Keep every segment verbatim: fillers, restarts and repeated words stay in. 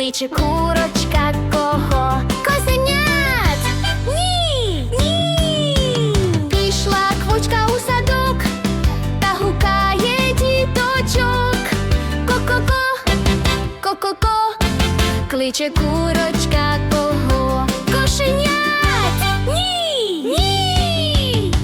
Кличе курочка кого? Козенят! Ні! Ні! Пішла квочка у садок та гукає діточок. Ко-ко-ко, ко-ко-ко, кличе курочка кого? Кошенят! Ні! Ні!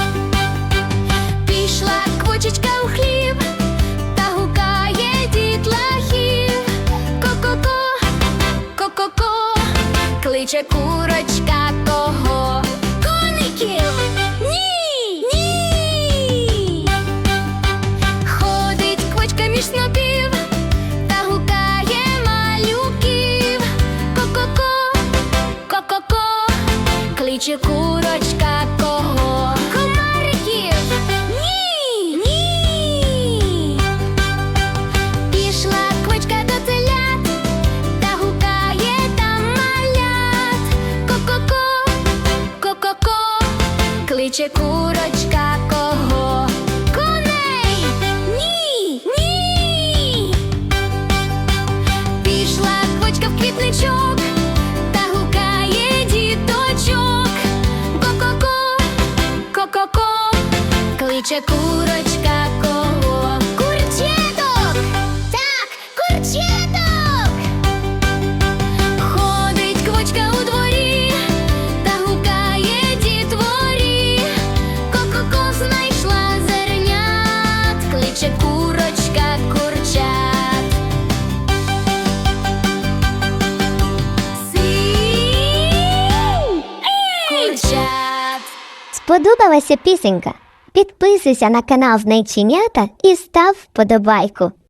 Пішла квочечка у хлів та гукає дітлахів. Ко-ко-ко, ко-ко-ко, кличе курочка кого? Коників! Ні! Ні! Ходить квочка між снопів та гукає малюків. Ко-ко-ко, ко-ко-ко, кличе курочка кого? Комариків! Ні! Ні! Пішла квочка до телят та гукає там малят. Ко-ко-ко, ко-ко-ко, кличе курочка кого? Коней! Ні! Ні! Пішла квочка в квітничок та гукає діточок. Ко-ко-ко, ко-ко-ко, кличе курочка кого? Курчеток! Так, курчеток! Ходить квочка у дворі та гукає дітворі. Ко-ко-ко, знайшла зернят, кличе курочка курчат. Сів! Курчат! Сподобалася пісенька? Підписуйся на канал Знайченята і став вподобайку.